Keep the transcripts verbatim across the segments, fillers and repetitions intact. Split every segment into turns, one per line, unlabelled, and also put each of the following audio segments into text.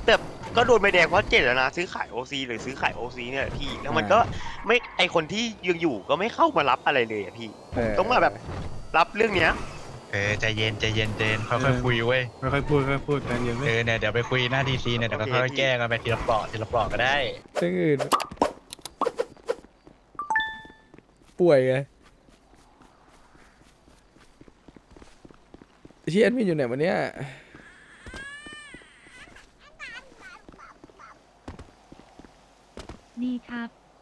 แต่ก็โดนใบแดงเพราะเจตนาซื้อขายโอซีหรือซื้อขายโอซีเนี่ยแหละพี่แล้วมันก็ไม่ไอคนที่ยังอยู่ก็ไม่เข้ามารับอะไรเลยอะพี่ผมต้องมาแบบรับเรื่องเนี้ย
เออใจเย็นใจเย็นเจนค่อยๆคุยเว้ย
ค่อยๆพูดค่อยๆพูดใจเย็น
เอ
ไม่
อเนี่ยเดี๋ยวไปคุยหน้าทีซีเนี่ยเดี๋ยวก็ค่อยๆแก้กันไปทีละเปลาะทีละเปลาะก็ได้
ซึ่งอื่นป่วยไงเชียนมีอยู่ไหนวันเนี้ย
ดีครับ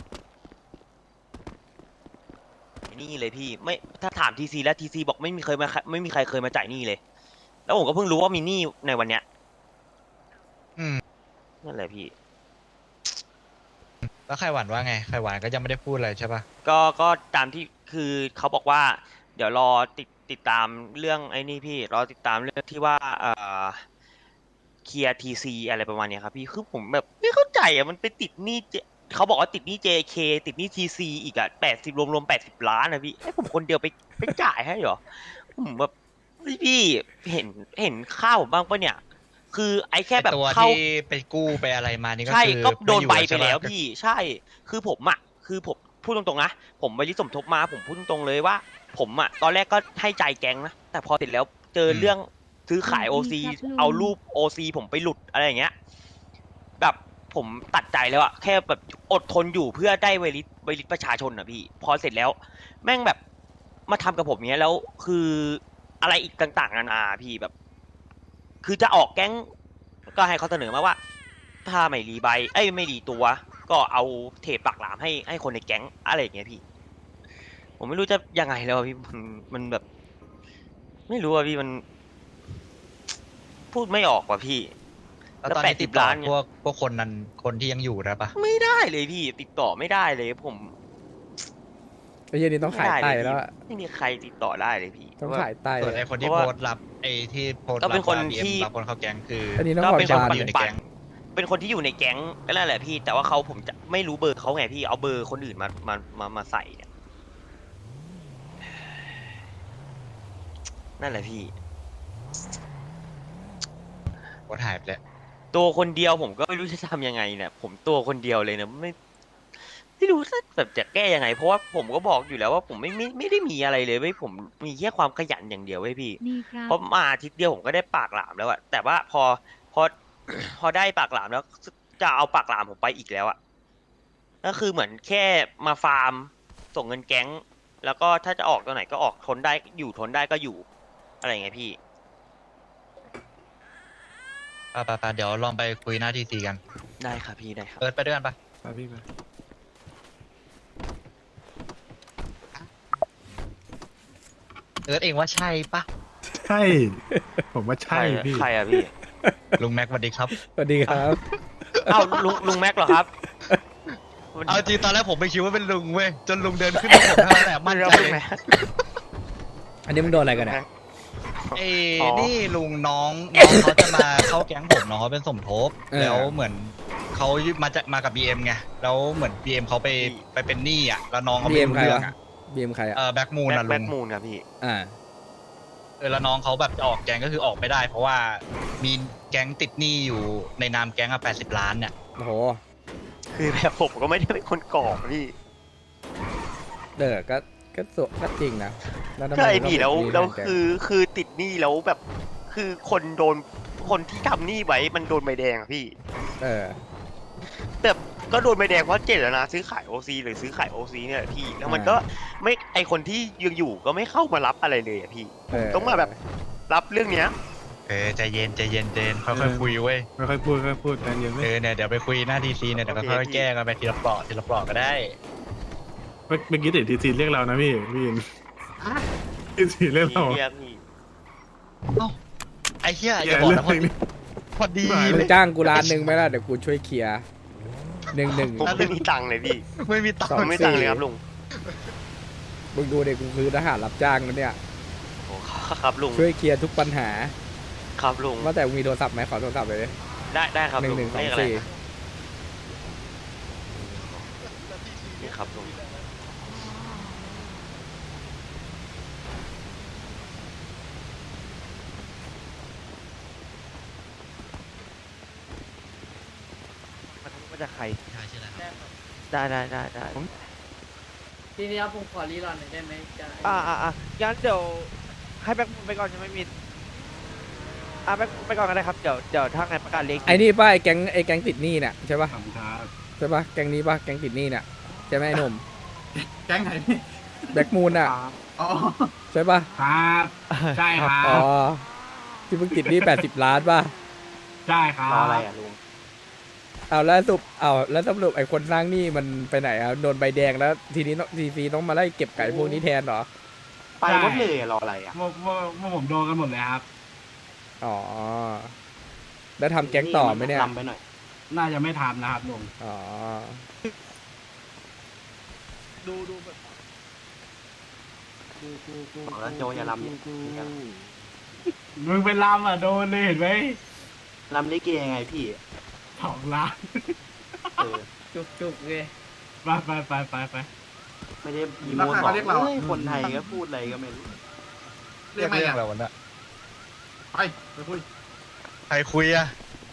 นี่เลยพี่ไม่ถ้าถามทีซีแล้วทีซีบอกไม่มีเคยมาไม่มีใครเคยมาจ่ายหนี้เลย แล้วผมก็เพิ่งรู้ว่ามีหนี้ในวันเนี้ย
อืม
นั่นแหละพี่
แล้วไข่หวานว่าไงไข่หวานก็ยังไม่ได้พูดอะไรใช่ปะ
ก็ก็ตามที่คือเขาบอกว่า เดี๋ยวรอติดติดตามเรื่องไอ้นี่พี่รอติดตามเรื่องที่ว่าเอ่อเคลียร์ทีซีอะไรประมาณเนี้ยครับพี่คือผมแบบไม่เข้าใจอ่ะมันไปติดหนี้ J- เขาบอกว่าติดหนี้ เจ เค ติดหนี้ทีซีอีกอ่ะแปดสิบรวมรวมแปดสิบล้านนะพี่ให้ผมคนเดียวไปไปจ่ายให้เหรอผมแบบเฮ้ยพี่เห็นเห็นข้าวผมบ้างปะเนี่ย คือไอ้แค่แบบ
ไอ้ตัว
เข้า
ที่ไปกู้ไปอะไรมานี่ก็
ใช่
คือ
ก็โดนใบ
ม่อยู่
ไปแล้ว
ใช่ปะ
พี่ใช่ คือผมอ่ะคือผมพูดตรงๆนะผมไปริสมทบมาผมพูดตรงๆเลยว่า ผมอ่ะตอนแรกก็ให้ใจแก๊งนะแต่พอเสร็จแล้วเจอเรื่องซื้อขายโอ
ดี
ซี
ครับลุง
เอารูปโอซีผมไปหลุดอะไรอย่างเงี้ยแบบผมตัดใจแล้วอะแค่แบบอดทนอยู่เพื่อได้ไวริสไวริสประชาชนอะพี่ พอเสร็จแล้ว แม่งแบบมาทำกับผมเนี้ยแล้วคืออะไรอีกต่างๆนานาพี่แบบ คือจะออกแก๊งก็ให้เขาเสนอมาว่า ถ้าไม่รีใบเอ้ยไม่รีตัว ก็เอาเทปปากหลามให้ให้คนในแก๊งอะไรอย่างเงี้ยพี่ ผมไม่รู้จะยังไงแล้วอะพี่มันมันแบบ ไม่รู้อะพี่มัน พูดไม่ออกว่ะพี่
แล้วตอนนี้ติดต่อพวกพวกคนนั้นคนที่ยังอยู่ได้ปะ
ไม่ได้เลยพี่ ติดต่อไม่ได้เลย ผม
ไอ้เหี้ยนี่ต้องขายไตแล้วอะ
ไม่มีใครติดต่อได้เลยพี่
ต้องขายไต
ส่วน
เล
ไอ้
ย
คนที่
เพราะ
โพ
ว่า
สต์รับไอ้ที่โพสต์
ก็เป็นคน
รับ
ที่
รับคนเข้าแก๊งคือ
อันนี้ต้อง
ก็
ผ่อน
เป็น
บา
คน
น
ปั่น
อยู่ใน
ปั่
แก๊
น
ง
เป็นคนที่อยู่ในแก๊งก็นั่นแหละพี่ แต่ว่าเขาผมจะไม่รู้เบอร์เขาไงพี่ เอาเบอร์คนอื่นมามามามาใส่เนี่ยนั่นแหละพี่
โพสต์หายไปแล้ว
ตัวคนเดียวผมก็ไม่รู้จะทำยังไงเนี่ย ผมตัวคนเดียวเลยนะไม่ไม่รู้จะแบบจะแก้ยังไง เพราะว่าผมก็บอกอยู่แล้วว่าผมไม่ไม่ไม่ได้มีอะไรเลยเว้ยผมมีแค่ความขยันอย่างเดียวเว้ยพี่
ดีครับ
เพราะมาอาทิตย์เดียวผมก็ได้ปากหลามแล้วอะแต่ว่าพอพอ พอได้ปากหลามแล้วจะเอาปากหลามผมไปอีกแล้วอะก็คือเหมือนแค่มาฟาร์มส่งเงินแก๊ง แล้วก็ถ้าจะออกตัวไหนก็ออกทนได้อยู่ทนได้ก็อยู่อะไรอย่างเงี้ยพี่
ปะปะปะเดี๋ยวลองไปคุยหน้าทีซีกัน
ได้ครับพี่ได้ครับ
เอิร์ธไปด้วยกันปะ
ไปพี่ไป
เอิร์ธเองว่าใช่ปะ
ใช่ ผมว่าใช่พี่
ใครอะพี่
ลุงแม็กสวัสดีครับ
สวัสดีครับ
อ้าวลุงลุงแม็กเหรอครับ
เอาจริงตอนแรกผมไม่คิดว่าเป็นลุงเว้ยจนลุงเดินขึ้นมาผมเท่านั้นแหละมั่นใจ
ลุ
เล
ง
ย
แม็ก
อันนี้มึงโดนอะไรกันเนี่ย
เอ้
อ๋อ
นี่ลุงน้องน้องเขาจะมาเข้าแก๊งผมน้องเขาเป็นสมทบ
เออ
แล้วเหมือนเขามาจะมากับบีเอ็มไงแล้วเหมือนบีเอ็มเขาไปไปเป็นหนี้อ่ะแล้วน้องเขา
บี
ไม่
เอ็ม
รู้
ใคร
เรื่อง
วะ
อ่ะ
บีเอ็มใครอะ
เออแบ็กมูน
แม็
อ่ะ
ก
ลุ
แม็
ง
กมูนครับพี่
อ่า
เออแล้วน้องเขาแบบจะออกแก๊งก็คือออกไม่ได้ เพราะว่ามีแก๊งติดหนี้อยู่ในนามแก๊งอ่ะแปดสิบล้านเนี่ย
โอ้โห
คือแบบผมก็ไม่ได้เป็นคนก่อพี่
เด้อก็ก็สวก็จริงนะแล้วทำไม
ใช่
มึงต้อง
พี่แล้ว
เป็นหนี้
แล้ว
แทนแก
คือคือติดหนี้แล้วแบบ คือคนโดนคนที่ทำหนี้ไว้มันโดนใบแดงอะพี่
เออ
แต่ก็โดนใบแดงเพราะเจตนาซื้อขายโอซีหรือซื้อขายโอซีเนี่ยแหละพี่ แล้วมันก็ไม่ไอคนที่ยังอยู่ก็ไม่เข้ามารับอะไรเลยอะพี่
เออ
ต้องมาแบบรับเรื่องเนี้ย
เออใจเย็นใจเย็นเจนค่อยๆคุยเว้ย
ค่อยๆพูดค่อยๆพูดใจเย็นไม่
เออเนี่ยเดี๋ยวไปคุยหน้าทีซีเนี่ยเดี๋ยวก็ค่อยๆแก้กันไปทีละเปลาะทีละเปลาะก็ได้
เมื่อเมื่อกี้ติดทีซีเรียกเรานะพี่พี่ยินทีซีเรียกเรา
เรียกพี่
ไอ้เหี้ยอ
อย่า
ย่าบอก
เรื่
นะ
อง
พอดี
นี้
พอดี
ไม่
มึ
เล
ง
ย
จ้างกูร้านหนึ่งไหมล่ะเดี๋ยวกูช่วยเคลียร์หนึ่งหนึ่ง
ผมไม่มีตังค์เลยพี่
ไม่มีตัง
สอ
ผ
ค์
มไม่มีตังค์เลยครับลุง
มึงดูเด็กกูคือทหารรับจ้างนะเนี่ย
โอ้ครับลุง
ช่วยเคลียร์ทุกปัญหา
ครับลุง
ว่าแต่มึงมีโทรศัพท์ไหมขอโทรศัพท์เลยดิ
ได้ได้ครับ
หนึ่
ลุ
ง
ง
หนึ่งสอ
เล
ง
ขอะไร
สี่
นี่ครับลุง
ว่าจะใคร
ใช่ใช่แล้วครับ
ได้ได้ได้ได้
ทีนี้ครับผมขอรีรอนหน่อยได้ไหมจะ
อ่าอ่าอ่างั้นเดี๋ยวให้แบ็คไปก่อนยังไม่มีอ่าแบ็คไปก่อนก็ได้ครับเดี๋ยวเดี๋ยวถ้าไงประกาศเลข
ไอ้นี่ป้าไอ้แก๊งไอ้แก๊งติดหนี้เนี่ยใช่ปะ
ขอบคุณครับ
ใช่ปะแก๊งนี้ปะแก๊งติดหนี้เนี่ยใช่ไหมไอ้หนุ่ม
แก๊งไหนพี่
แบ็กมูนอ่ะ
อ๋อ
ใช่ปะ
ครับใช่ครั
อ๋อบ ที่เพิ่งติดหนี้แปดสิบล้านป่ะ
ใช่ครับ
รออะไรอ่ะลุง
เอาแล้วสรุปเอาแล้วสรุปไอ้คนสร้างหนี้มันไปไหนอ่ะโดนใบแดงแล้วทีนี้ทีซีต้องมาไล่เก็บไก่พวกนี้แทนเหรอ
ไปหมดเลยรออะไรอ่ะ
เมื่อเมื่อเมื่อผมโดนกันหมดเลยครับ
อ๋อแล้วทำแก๊งต่อไหมเนี่ย
ลำไปหน่อย
น่าจะไม่ทำนะครับลุง
อ๋อ
ดูดูแบบ
บอกแล้วโจอย่าลำเนี่ย
มึงเป็นลำอ่ะโดนเลยเห็นไหม
ลำลิเกยังไงพี่
สองล้าน
เออ
จุกจุกๆเลย
ไปไปไปไปไป
ไม่ได้มี
รา
มูล
คา
บอก
เรียกเราอะ
เฮ้ยคนไทยก็พูดอะไรก็ไม่รู้
เรียกเรื่องอะไรวะเนี่ย
ไปไปคุย
ใครคุยอะ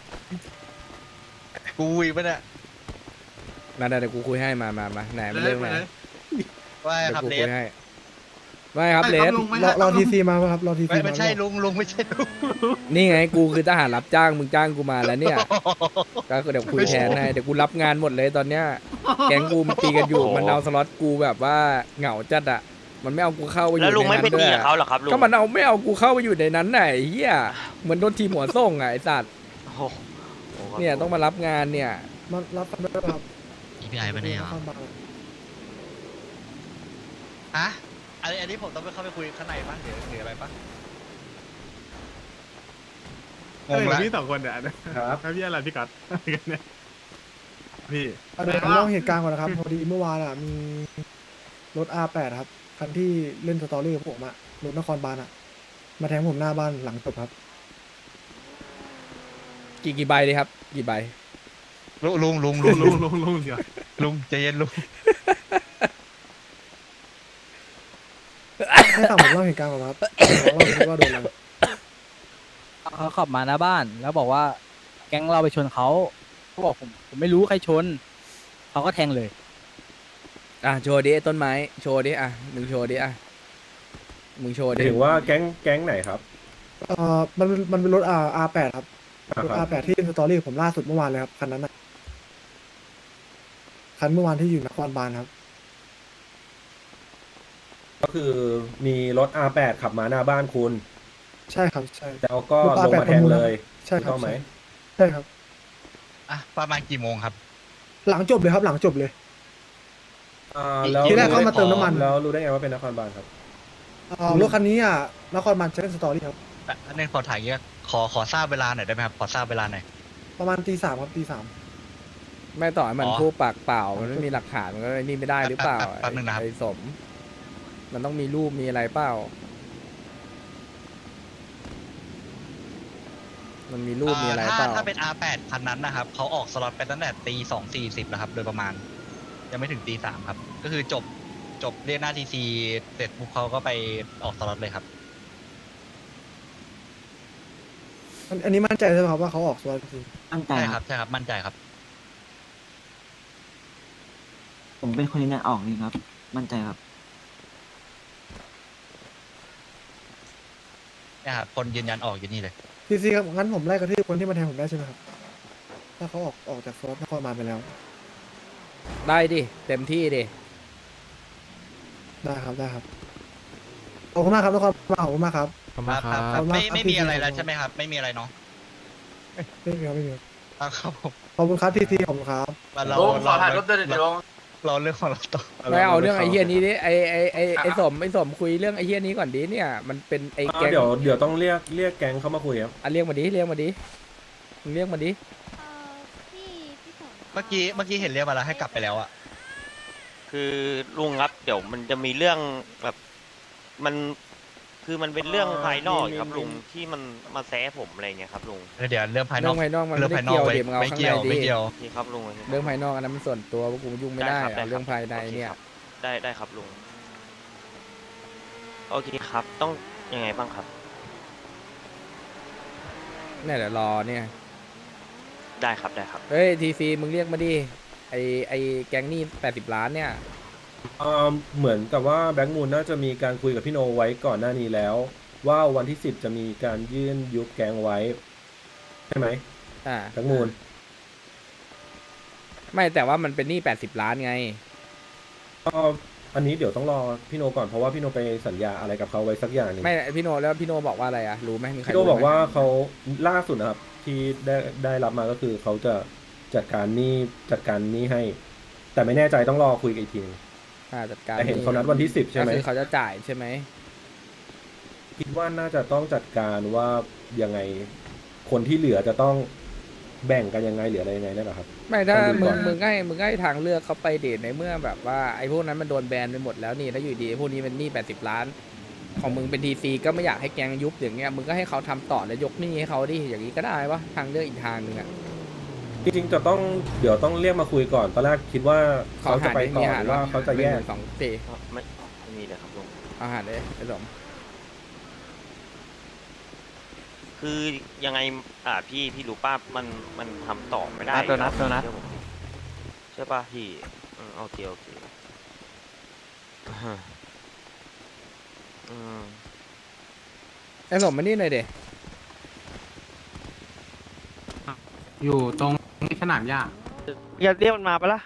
กูคุยปะเนี่ย
นั่นๆเดี๋ยวกูคุยให้มามามาไหนมาเรื่องไหน
ว่า
เดี๋ยว
ครับ
กู
เล
คุ
ส
ยให้ไม่ครับเลส
รอรอทีซีมาครับรอทีซี
ไม่
มา
ไม่ใช่ลุงลุงไม่ใช่ลุง
นี่ไงกูคือทหารรับจ้างมึงจ้างกูมาแล้วเนี่ยก็เดี๋ยวคุยแทนให้เดี๋ยวกูรับงานหมดเลยตอนเนี้ยแก๊งกูมันตีกันอยู่มันเอาสล็อตกูแบบว่าเหงาจัดอะมันไม่เอากูเข้าไปอยู่
แล้วลุง
ใน
ไม่
นั้
ไป
นด้
ตี
วย
กับเขาเหรอครับลุง
ก็มันเอาไม่เอากูเข้าไปอยู่ในนั้นไหนะไอ้เฮียเหมือนโดนทีมหัวส่งอะไอ้สัตว์
โอ้โหโอ้โห
เนี่ยต้องมารับงานเนี่ย
มารับกันด้วยครับ
อีพีไอไปไหนอ่ะ
ข้างบ้าน
ฮะอันนี้อันนี้ผมต้องไปเข้าไปคุยข้างในป่ะหรือหรืออะไรป่ะง
เฮ้ย
งละ
พี่สองคนเนี่ยนะครับพี่อะไรพี่กัดอะไรกันเนี่ยพี่
เดี๋ยวผมเล่าเหตุการณ์ก่อนนะครับพอดีเมื่อวานอ่ะมีรถ อาร์ แปด ครับคันที่เล่นสตอรี่กับผมอ่ะรถนครบาลอ่ะ มาแทงผมหน้าบ้านหลังจบครับ
กี่กี่ใบเลยครับ กี่ใบ
ลุงลุงลุง
ลุ
ลุ
ง
ง
ลุ
ลุ
ง
ง
ลุงลุงเดี๋ยว
ลุงใจเย็นลุง
ให้ต่างผมเล่าเหตุการณ์ก่อนครับเล่าว่าโดนอะไร
เขาขับมาหน้าบ้านแล้วบอกว่าแก๊งเราไปชนเขาเขาบอกผมผมไม่รู้ใครชนเขาก็แทงเลย
อ่ะโชว์ดิไอ้ต้นไม้โชว์ดิอ่ะมึงโชว์ดิอ่ะมึงโชว์ดิ
ถึงว่าแก๊งแก๊งไหนครับ
เอ่อมันมันเป็นรถ R อาร์ แปด ครับ
อ่าร
ถ
ครับ
อาร์ แปด ที่เล่นสตอรี่กับผมล่าสุดเมื่อวานเลยครับคันนั้นอ่ะคันเมื่อวานที่อยู่นครบาลครับ
ก็คือมีรถ อาร์ แปด ขับมาหน้าบ้านคุณ
ใช่ครับใช่
แล้วก็
รถ
ลง
อาร์ แปด
มาแทงเลย
ใช่ครับ
ถูกต้องไหม
ใช่ครับ
อ่ะประมาณกี่โมงครับ
หลังจบเลยครับหลังจบเลย
อ่าแล้ว
ทีแรกเข้ามาเติมน้ำมัน
แล้วรู้ได้ไงว่าเป็นนครบาลครับ
เอ่อรถคันนี้อ่ะนครบาลจะเล่นสตอรี่ครับ
อ่ะอันนี้ขอถ่ายเงี้ยขอขอทราบเวลาหน่อยได้ไหมครับขอทราบเวลาหน่อย
ประมาณตีสามครับตีสาม
ไม่ต่อให้มัน
อ๋อ
พูดปากเปล่ามันไม่มีหลักฐานมันก็ไอ้นี่ไม่ได้หรือเปล่า
แป๊บแป๊บแป๊บนึงนะครับ
ไอ้สม มันต้องมีรูปมีอะไรเปล่า มันมีรูปมีอะไร
อ่า
เป
ถ้า
ล่า
ถ้าเป็น อาร์ แปด คันนั้นนะครับเขาออกสล็อตไปตั้งแต่ตีสองสี่สิบแล้วครับ โดยประมาณ ยังไม่ถึงตีสามครับ ก็คือจบจบเรียกหน้าทีซีเสร็จปุ๊บเขาก็ไปออกสล็อตเลยครับ
อันอันนี้มั่นใจใช่ไหมครับว่าเขาออกสตอรี่จริง
ตั้งใจ
ใช่
ค
ค
รั
รับ บใช่ครับมั่นใจครับ
ผมเป็นคนที่ออกนี่ครับ มั่นใจครับ
เนี่ยครับคนยืนยันออกอยู่นี่เลย
ทีซีครับงั้นผมไล่กระทืบคนที่มาแทงผมได้ใช่ไหมครับถ้าเขาออกออกจากสตอรี่นครบาลไปแล้ว
ได้ดิ เต็มที่ดิ
ได้ครับได้ครับขอบคุณมากครับนครบาลขอบคุณมากครับ
ขอบคุณครับ
ขอบคุณมาก
ไม่
ครับ
ไม่มี
พี่
อะไร
พี่
แล้วใช่ไหมครับ ไม่มีอะไรเนาะ
ไม่มีครับไม่มีครับ
อ่ะครับผม
ขอบคุณครับทีซีขอบคุณครับ
มาเราเราเราเราเรื่องของเราต่อ
ไม่เอาเรื่องไอ้เฮียนี้ดิ ไอ้ไอ้ไอ้ไอ้สมไอ้สมคุยเรื่องไอ้เฮียนี้ก่อนดิเนี่ย มันเป็นไอ้
อ่า
แก๊ง
เดี๋ยวเดี๋ยวต้องเรียกเรียกแก๊งเข้ามาคุยครับ
อ่ะเรียกมาดิ เรียกมาดิ มึงเรียกมาดิ
เมื่อกี้เมื่อกี้เห็นเรียกมาแล้วให้กลับไปแล้วอะ
คือลุงครับเดี๋ยวมันจะมีเรื่องแบบมันคือมันเป็นเรื่องภายนอกครับลุงที่มันมาแซะผมอะไรเงี้ยครับลุง
เดี๋ยวเรื่องภายน
เรื่
อ
อก งภายนอกมัน
เรื่
ไม่
อง
ได้
ภายนอ
เกี่
ก
ยว
ไม่
เดี๋ยวมึงเอาข้างในดิ
ไม่เกี่ยวไม่เกี่ยว
โอเคครับลุงโอเคครับ
เรื่องภายนอกอันนั้นมันส่วนตัวพวกกูยุ่งไม่ได้
ครับ
เอาเรื่องภายในเนี่ย
โอคครับได้ได้ครับลุงโอเคครับต้องยังไงบ้างครับ
เนี่ยเดี๋ยวรอเนี่ย
ได้ครับได้ครับ
เฮ้ยทีซีมึงเรียกมาดิไอไอแก๊งนี่แปดสิบล้านเนี่ย
เอ่อเหมือนกับว่าแบงก์มูลน่าจะมีการคุยกับพี่โนไว้ก่อนหน้านี้แล้ว ว่าวันที่สิบจะมีการยื่นยุบแกงไว้ใช่ไหม
อ่า
แบงก์มูล
ไม่แต่ว่ามันเป็นหนี้แปดสิบล้านไง
ก็อันนี้เดี๋ยวต้องรอพี่โนก่อนเพราะว่าพี่โนไปสัญญาอะไรกับเขาไว้สักอย่างหนึง
ไม่พี่โนแล้วพี่โนบอกว่าอะไรอะรู้ไหมมีใคร
พี่โน
รู้ไหม
บอกว่าเขาล่าสุดนะครับ ที่ได้ได้รับมาก็คือเขาจะจัดการหนี้จัดการหนี้ให้ แต่ไม่แน่ใจต้องรอคุยกันอีกทีนึง
อ่าจัดการ
แต่เห็นเขานัดวันที่สิบใช่ไหม
ก็คือเขาจะจ่ายใช่ไหม
คิดว่าน่าจะต้องจัดการว่ายังไงคนที่เหลือจะต้องแบ่งกันยังไงเหลืออะไรยังไงได้หรอครับ
ไม่ถ้า
ต้องดู
มึ
ก่
ง
อน
มึงให้มึงให้ทางเลือกเขาไปเดทในเมื่อแบบว่าไอ้พวกนั้นมันโดนแบนไปหมดแล้วนี่แล้วอยู่ดีไอ้พวกนี้เป็นหนี้แปดสิบล้าน ของมึงเป็นทีซีก็ไม่อยากให้แกงยุบอย่างเงี้ยมึงก็ให้เขาทำต่อแล้วยกหนี้ให้เขาดิอย่างนี้ก็ได้วะทางเลือกอีกทางหนึ่งอะ
จริงๆจะต้องเดี๋ยวต้องเรียกมาคุยก่อนตอนแรกคิดว่าเขาจะไปต่อ
ห
หรือว่าเขาจะแยก
หนึ่งสองสี่
ไม่ไม่มีเลยครับลุง
อาหารเลยไอ้สม
คือยังไงอ่าพี่พี่รู้ป่ะมันมันทำต่อไม่ได้
โดนัทโดนัท
เชื่อผมดิใช่ป่ะพี่อืมโอเคโอเคอ่าอืม
ไอ้สมมานี่หน่อยเด
อยู่ตรงสนามหญ้า
อย่าเรียกมันมาปะล่ะ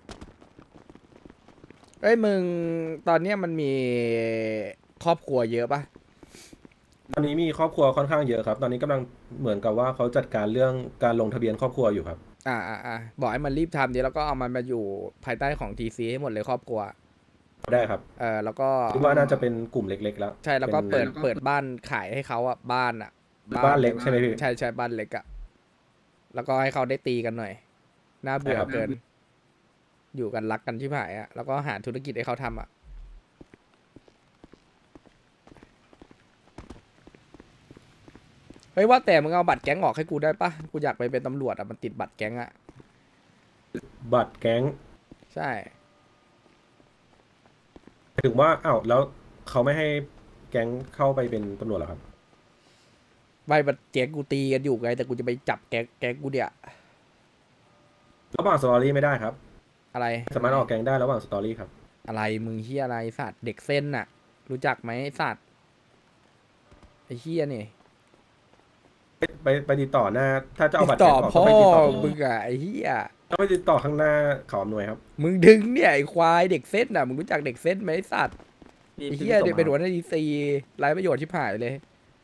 เอ้ยมึงตอนเนี้ยมันมีครอบครัวเยอะปะ
ตอนนี้มีครอบครัวค่อนข้างเยอะครับ ตอนนี้กำลังเหมือนกับว่าเขาจัดการเรื่องการลงทะเบียนครอบครัวอยู่ครับ
อ่าอ่าอ่าบอกให้มันรีบทำดีแล้วก็เอามันมาอยู่ภายใต้ของทีซีให้หมดเลยครอบครัว
ได้ครับ
เออแล้วก็
คิดว่าน่าจะเป็นกลุ่มเล็กๆแล้ว
ใช่แล้วก็
ป็น
เปิดเปิดบ้านขายให้เขาอ่ะบ้านอ่ะ
บ้านเล็กใช่ไหมพี่
ใช่ใช่บ้านเล็กอ่ะแล้วก็ให้เขาได้ตีกันหน่อยน่าเบื่อ
ใช่ครับ
เกิน อยู่กันรักกันที่ผายอ่ะแล้วก็หาธุรกิจให้เขาทำอ่ะเฮ้ยว่าแต่มึงเอาบัตรแก๊งออกให้กูได้ปะกูอยากไปเป็นตำรวจอ่ะมันติดบัตรแก๊งอ่ะ
บัตรแก๊ง
ใช่
ถึงว่าอ้าวแล้วเขาไม่ให้แก๊งเข้าไปเป็นตำรวจเหรอครับ
ใบบัตรแก๊งกูตีกันอยู่ไงแต่กูจะไปจับแก๊งแก๊งกูเดี๋ย
ระหว่างสตอรี่ไม่ได้ครับ
อะไร
สามารถออกแก๊งได้ระหว่างสตอรี่ครับ
อะไรมึงเฮียอะไรสัตว์เด็กเส้นน่ะ รู้จักไหมไอ้สัตว์ไอ้เฮียนี่
ไปไปไปติดต่อหน้า ถ้าจะเอา
ติ
บัต
ด
ร
ต่
แก๊
อง
ออก
พ่
ต้
อ
องไปติดต่อ
มึงอะไอ้เฮีย
ต้องไปติดต่อข้างหน้าเขาอำนวยครับ
มึงดึงเนี่ยไอ้ควายเด็กเส้นน่ะมึงรู้จักเด็กเส้นไหมไอ้สัตว์ไอ้เฮียเดี๋ยวเป็นหัวหน้าดีซีไร้ประโยชน์ชิบหายเลย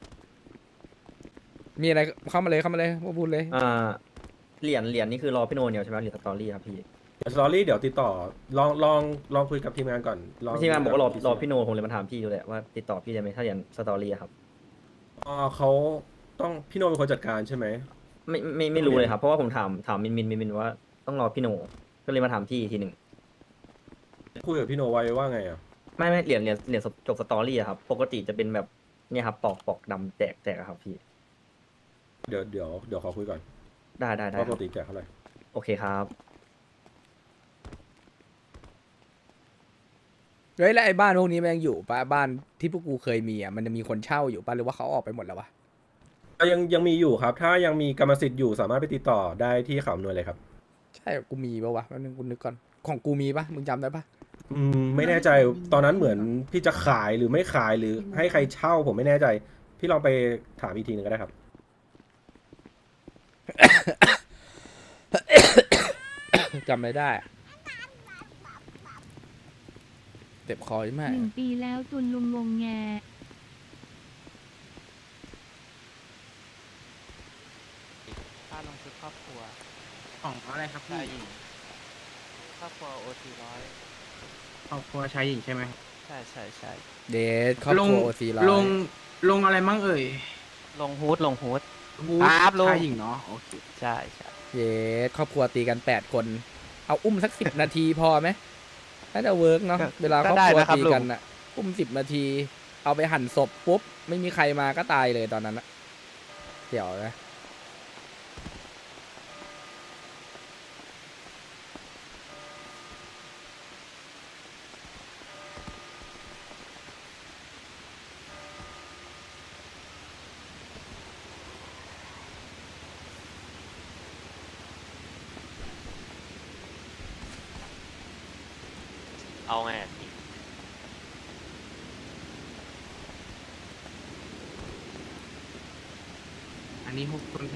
มีอะไรเข้ามาเลยเข้ามาเลยพวกพูดเลย
อ่าเหรียญเหรียญนี่คือรอพี่โนเนียวใช่ไหมเหรียญสตอรี่ครับพี่
เดี๋ยวสตอรี่เดี๋ยวติดต่อลองลองลองคุยกับทีมงานก่อนลอง
ทีมงานบอกว่ารอรอพี่โนผมเลยมาถามพี่ดูแหละว่าติดต่อพี่ได้ไหมถ้าเหรียญสตอรี่อะครับ
อ๋อเขาต้องพี่โนเป็นคนจัดการใช่ไหม
ไม่ไม่ไม่รู้เลยครับเพราะว่าผมถามถามมินมินมินมินว่าต้องรอพี่โนก็เลยมาถามพี่อีกทีหนึ่ง
คุยกับพี่โนไว้ว่าไงอ่ะ
ไม่ไม่เหรียญเหรียญเหรียญจบสตอรี่อะครับปกติจะเป็นแบบเนี่ยครับปอกปอกดำแตกแตกอะครับพี่
เดี๋ยวเดี๋ยวเดี๋ยวขอคุยก่อน
ได้ได้ได้
ว่า
ค
ป
รั
ก
บ
ติแจกเท่าไหร่
โอเคครับ
เฮ้ยแล้วไอ้บ้านพวกนี้มันยังอยู่ปะบ้านที่พวกกูเคยมีอ่ะมันจะมีคนเช่าอยู่ปะหรือว่าเขาออกไปหมดแล้ววะ
ยังยังมีอยู่ครับ ถ้ายังมีกรรมสิทธิ์อยู่สามารถไปติดต่อได้ที่เขาอำนวยเลยครับ
ใช่กูมีปะวะแป๊บนึงกูนึกก่อนของกูมีปะมึงจำได้ปะ
อืมไม่แน่ใจตอนนั้นเหมือนพี่จะขายหรือไม่ขายหรือให้ใครเช่าผมไม่แน่ใจ พี่ลองไปถามอีกทีหนึงก็ได้ครับ
จำไม่ได้อะเจ็บคอใช่ไหม
หนึ่งปีแล้วตุนลุงงงแง
ค่าลงทุนครอบครัว
ของอะไรครับพี่
ชายหญิงครอบครัวโอทีร้อย
ครอบครัวชายหญิงใช่ไหม
ใช่ใช่ใช่
เดทครอบครัวโอซีร้อย
ลงลงอะไรมั่งเอ่ย
ลงฮูดลงฮูด
บูธ
ครับลุง
ชายหญิงเนาะโอเค
ใช่ใช่
เดทครอบครัวตีกันแปดคน เอาอุ้มสักสิบนาทีพอไหมน่าจะเวิร์กเนาะเวลาครอบครัวตีกันอ่ะอุ้มสิบนาที เอาไปหั่นศพปุ๊บไม่มีใครมาก็ตายเลยตอนนั้นอะเดี๋ยวนะ
เอาไงอะพี่
อันนี้หกคน